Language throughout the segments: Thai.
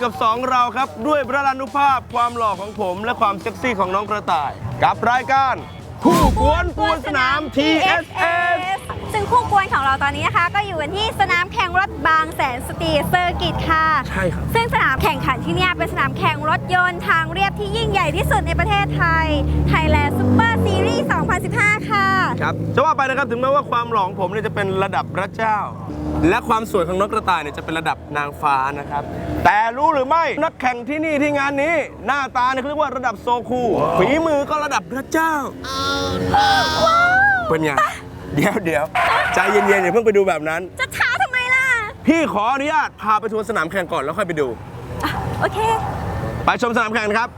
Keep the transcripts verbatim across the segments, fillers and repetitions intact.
กับสองเราครับด้วยพระรานุภาพความหล่อของผมและความเซ็กซี่ของน้องกระต่ายกับรายการคู่กวนปวนสนาม ที เอส เอสซึ่งคู่กวนของเราตอนนี้นะคะก็อยู่กันที่สนามแข่งรถบางแสนสตรีทเซอร์กิตค่ะใช่ครับซึ่งสนามแข่งขันที่นี่เป็นสนามแข่งรถยนต์ทางเรียบที่ยิ่งใหญ่ที่สุดในประเทศไทย Thailand Super Series สองพันสิบห้า ค่ะครับจะว่าไปนะครับถึงแม้ว่าความหล่อของผมเนี่ยจะเป็นระดับพระเจ้าและความสวยของนกกระต่ายเนี่ยจะเป็นระดับนางฟ้านะครับแต่รู้หรือไม่นักแข่งที่นี่ที่งานนี้หน้าตาเนี่ยเขาเรียกว่าระดับโซคูฝีมือก็ระดับพระเจ้าเป็นไงเดี๋ยวเดี๋ยวใจเย็นๆอย่าเพิ่งไปดูแบบนั้นจะช้าทำไมล่ะพี่ขออนุญาตพาไปทัวร์สนามแข่งก่อนแล้วค่อยไปดูโอเคไปชมสนามแข่งครับ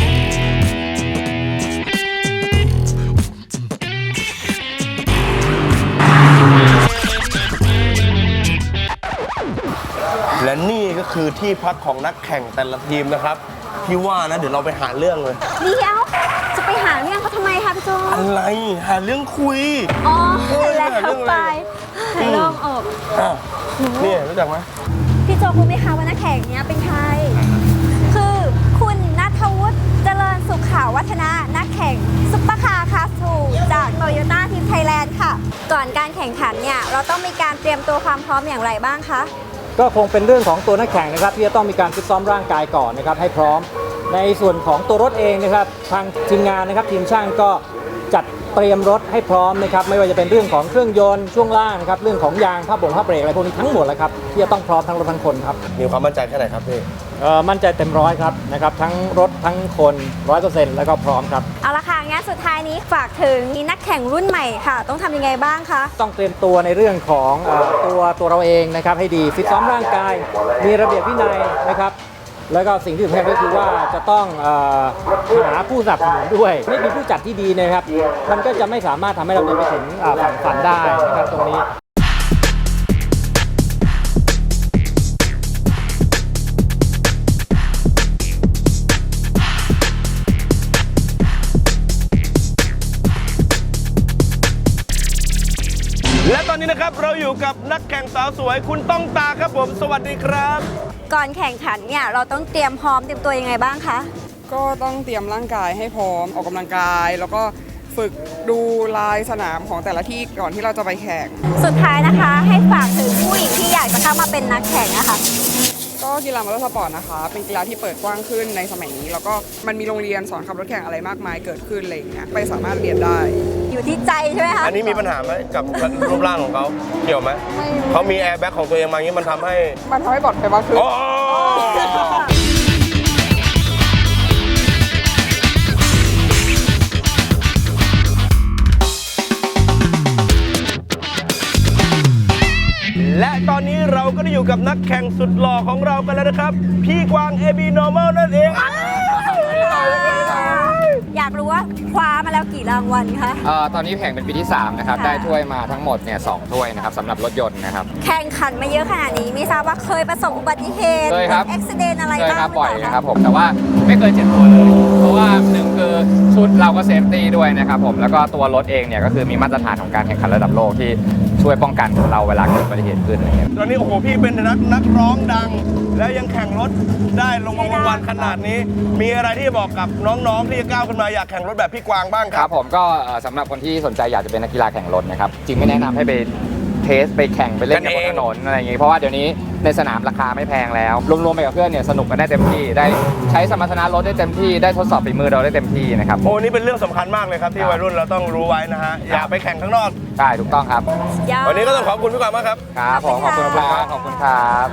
และนี่ก็คือที่พักของนักแข่งแต่ละทีมนะครับพี่ว่านะเดี๋ยวเราไปหาเรื่องเลยเดี๋ยวจะไปหาเรื่องเขาทำไมคะพี่โจอะไรหาเรื่องคุยอ๋อแล้วไปเรื่องอกนี่รู้จักไหมพี่โจรู้ไหมคะว่านักแข่งเนี้ยเป็นใครคือคุณณัฐวุฒิเจริญสุขข่าววัฒนะนักแข่งซุปเปอร์คาร์คลาสทูจากโตโยต้าทีมไทยแลนด์ค่ะก่อนการแข่งขันเนี่ยเราต้องมีการเตรียมตัวความพร้อมอย่างไรบ้างคะก็คงเป็นเรื่องของตัวนักแข่งนะครับที่จะต้องมีการฟิตซ้อมร่างกายก่อนนะครับให้พร้อมในส่วนของตัวรถเองนะครับทางทีมงานนะครับทีมช่างก็จัดเตรียมรถให้พร้อมนะครับไม่ว่าจะเป็นเรื่องของเครื่องยนต์ช่วงล่างนะครับเรื่องของยางผ้าบ่งผ้าเบรกอะไรพวกนี้ทั้งหมดแล้วครับที่จะต้องพร้อมทั้งรถทั้งคนครับมีความมั่นใจแค่ไหนครับพี่เอ่อมั่นใจเต็มร้อยครับนะครับทั้งรถทั้งคนร้อยเปอร์เซ็นต์แล้วก็พร้อมครับเอาละค่ะงั้นสุดท้ายนี้ฝากถึงนักแข่งรุ่นใหม่ค่ะต้องทำยังไงบ้างคะต้องเตรียมตัวในเรื่องของเอ่อตัวตัวเราเองนะครับให้ดีฟิตซ้อมร่างกายมีระเบียบวินัยนะครับแล้วก็สิ่งที่สำคัญก็คือว่าจะต้องเอ่อหาผู้สนับสนุนด้วยไม่มีผู้จัดที่ดีนะครับมันก็จะไม่สามารถทำให้เราเดินไปถึงฝั่งฝันได้นะครับตรงนี้และตอนนี้นะครับเราอยู่กับนักแข่งสาวสวยคุณต้องตาครับผมสวัสดีครับก่อนแข่งขันเนี่ยเราต้องเตรียมพร้อมเตรียมตัวยังไงบ้างคะก็ต้องเตรียมร่างกายให้พร้อมออกกำลังกายแล้วก็ฝึกดูลายสนามของแต่ละที่ก่อนที่เราจะไปแข่งสุดท้ายนะคะให้ฝากถึงผู้หญิงที่อยากจะเข้ามาเป็นนักแข่งนะคะก็กีฬามอเตอร์สปอร์ตนะคะเป็นกีฬาที่เปิดกว้างขึ้นในสมัยนี้แล้วก็มันมีโรงเรียนสอนขับรถแข่งอะไรมากมายเกิดขึ้นอะไรอย่างเงี้ยไปสามารถเรียนได้อยู่ที่ใจใช่ไหมคะอันนี้มีปัญหาไหมกับรูปร่างของเขาเกี่ยวไหมเขามีแอร์แบ็กของตัวเองมาอย่างนี้มันทำให้มันทำให้ปลอดภัยมากขึ้นและตอนนี้เราก็ได้อยู่กับนักแข่งสุดหล่อของเรากันแล้วนะครับพี่กวาง เอ บี Normal นั่นเองอยากรู้ว่าคว้ามาแล้วกี่รางวัลคะเอ่อตอนนี้แข่งเป็นปีที่สามนะครับได้ถ้วยมาทั้งหมดเนี่ยสองถ้วยนะครับสำหรับรถยนต์นะครับแข่งขันมาเยอะขนาดนี้ไม่ทราบว่าเคยประสบอุบัติเหตุเคยครับอุบัติเหตุอะไรบ้างเคยครับบ่อยนะครับผมแต่ว่าไม่เคยเจ็บตัวเลยเพราะว่าหนึ่งคือชุดเราก็เซฟตี้ด้วยนะครับผมแล้วก็ตัวรถเองเนี่ยก็คือมีมาตรฐานของการแข่งขันระดับโลกที่ช่วยป้องกันเราเวลาเกิดอุบัติเหตุขึ้นอะไรเงี้ยตอนนี้โอ้โหพี่เป็นนักนักร้องดังแล้วยังแข่งรถได้ลงรางวัลขนาดนี้มีอะไรที่บอกกับน้องๆที่จะก้าวขึ้นมาอยากแข่งรถแบบพี่กวางบ้างครับครับผมก็สำหรับคนที่สนใจอยากจะเป็นนักกีฬาแข่งรถนะครับจริงไม่แนะนำให้ไปเทสไปแข่งไปเล่นกับบนถนนอะไรอย่างงี้เพราะว่าเดี๋ยวนี้ในสนามราคาไม่แพงแล้วรวมๆไปกับเพื่อนเนี่ยสนุกกันได้เต็มที่ได้ใช้สมรรถนะรถได้เต็มที่ได้ทดสอบฝีมือเราได้เต็มที่นะครับโอ้นี่เป็นเรื่องสำคัญมากเลยครับที่วัยรุ่นเราต้องรู้ไว้นะฮะอย่าไปแข่งข้างนอกใช่ถูกต้องครับวันนี้ก็ต้องขอบคุณพี่กวางมากครับครับผมขอบคุณครับขอบคุณครับ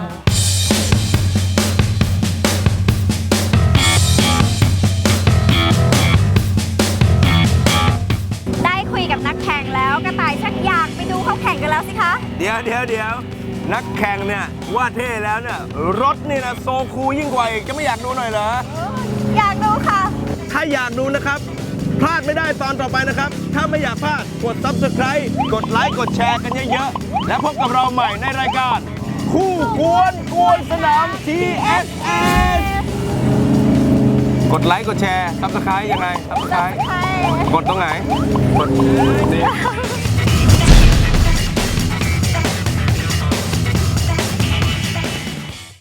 คุยกับนักแข่งแล้วกระต่ายชักอยากไปดูเขาแข่งกันแล้วสิคะเดี๋ยวเดี๋ยวเดี๋ยวนักแข่งเนี่ยว่าเท่แล้วเนี่ยรถนี่นะโซคูลยิ่งกว่าอีกจะไม่อยากดูหน่อยเหรออยากดูค่ะถ้าอยากดูนะครับพลาดไม่ได้ตอนต่อไปนะครับถ้าไม่อยากพลาดกด ซับสไครบ์ กดไลค์กดแชร์กันเยอะๆและพบกับเราใหม่ในรายการคู่กวนกวนสนาม ที เอส เอส กดไลค์กดแชร์ ซับสไครบ์ ยังไง ซับสไครบ์ กดตรงไหนกดนี่